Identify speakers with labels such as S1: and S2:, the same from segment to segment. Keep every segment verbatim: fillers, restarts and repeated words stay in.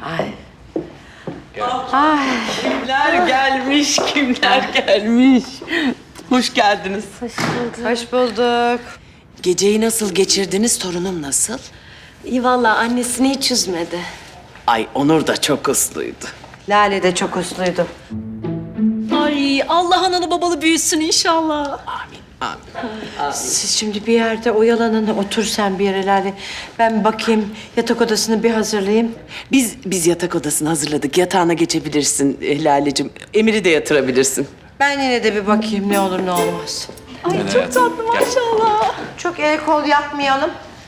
S1: Ay. Ay.
S2: Kimler gelmiş, kimler gelmiş. Hoş geldiniz.
S1: Hoş bulduk.
S3: Hoş bulduk.
S2: Geceyi nasıl geçirdiniz, torunum nasıl?
S1: İyi valla annesini hiç üzmedi.
S2: Ay Onur da çok usluydu.
S3: Lale de çok usluydu.
S1: Ay Allah analı babalı büyüsün inşallah.
S2: Amin, amin.
S3: Siz şimdi bir yerde oyalanın, otur sen bir yere Lale. Ben bakayım, yatak odasını bir hazırlayayım.
S2: Biz biz yatak odasını hazırladık. Yatağına geçebilirsin eh, Lale'cim. Emir'i de yatırabilirsin.
S3: Ben yine de bir bakayım ne olur ne olmaz.
S1: Ay çok tatlı maşallah.
S3: Çok el kol yapmayalım.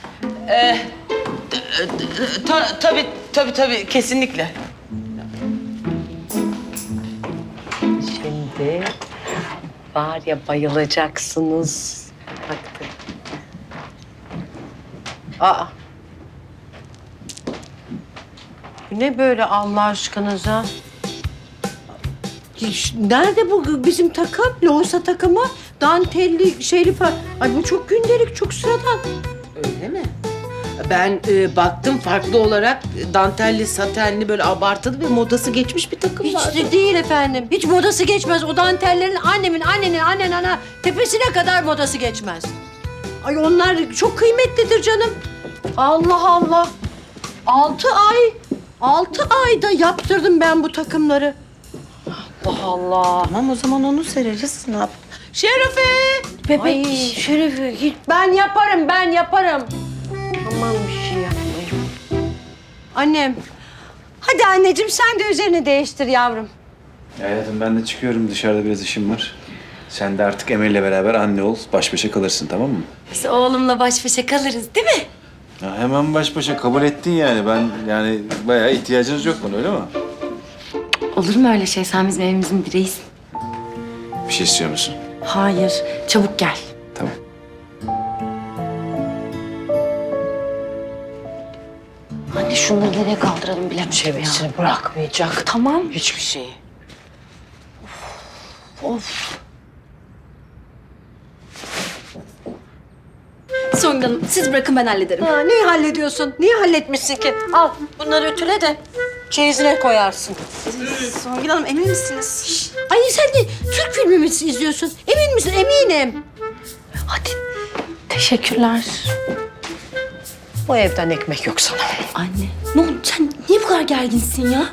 S2: Ta, tabii, tabii, tabii. Kesinlikle.
S1: Şimdi var ya bayılacaksınız. Bak.
S3: Aa. Bu ne böyle Allah aşkınıza? Nerede bu bizim takım? Loğusa takımı. Dantelli, şeyli falan. Ay bu çok gündelik, çok sıradan.
S2: Öyle mi? Ben e, baktım farklı olarak dantelli, satenli böyle abartılı ve modası geçmiş bir takım
S3: Hiç
S2: var.
S3: de değil efendim. Hiç modası geçmez. O dantellerin annemin, annenin, annen, ana tepesine kadar modası geçmez. Ay onlar çok kıymetlidir canım. Allah Allah. Altı ay, altı ayda yaptırdım ben bu takımları. Allah Allah.
S2: Tamam o zaman onu sereriz. Ne yap? Şerefe!
S3: Bebek. Ay Şerefe hiç ben yaparım, ben yaparım. Aman bir şey yapmayayım. Annem. Hadi anneciğim sen de üzerini değiştir yavrum.
S4: Hayatım ben de çıkıyorum. Dışarıda biraz işim var. Sen de artık Emel'le beraber anne ol. Baş başa kalırsın, tamam mı?
S1: Biz oğlumla baş başa kalırız değil mi?
S4: Ya hemen baş başa kabul ettin yani. Ben yani bayağı ihtiyacınız yok bana, öyle mi?
S1: Olur mu öyle şey? Sen bizim evimizin direğisin.
S4: Bir şey istiyor musun?
S1: Hayır. Çabuk gel.
S4: Tamam.
S1: Anne şunları nereye kaldıralım bilemedim ya.
S3: Çevresini bırakmayacak.
S1: Tamam.
S3: Hiçbir şeyi.
S1: Of. Songül Hanım siz bırakın ben hallederim.
S3: Ha, neyi hallediyorsun? Niye halletmişsin ki? Al bunları ütüle de çeyizine koyarsın.
S1: Songül Hanım emin misiniz? Şşş.
S3: Ay sen de Türk filmi mi izliyorsun? Emin misin? Eminim.
S1: Hadi. Teşekkürler.
S3: Bu evden ekmek yok sana.
S1: Anne ne oldu sen niye bu kadar gerginsin ya?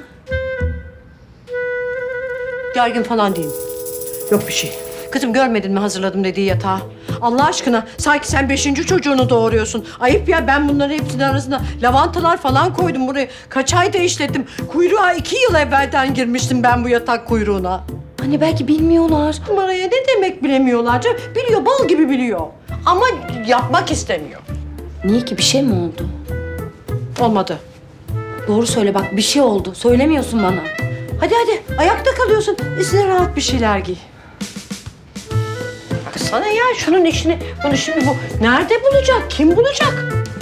S3: Gergin falan değilim. Yok bir şey. Kızım görmedin mi hazırladım dediği yatağı? Allah aşkına sanki sen beşinci çocuğunu doğuruyorsun. Ayıp ya ben bunların hepsinin arasında lavantalar falan koydum buraya. Kaç ayda işlettim. Kuyruğa iki yıl evvelden girmiştim ben bu yatak kuyruğuna.
S1: Anne belki bilmiyorlar.
S3: Numaraya ne demek bilemiyorlar canım. Biliyor bal gibi biliyor. Ama yapmak istemiyor.
S1: Niye ki bir şey mi oldu?
S3: Olmadı.
S1: Doğru söyle bak bir şey oldu. Söylemiyorsun bana.
S3: Hadi hadi ayakta kalıyorsun. Üstüne rahat bir şeyler giy. Sana ya şunun işini, bunu şimdi bu nerede bulacak? Kim bulacak?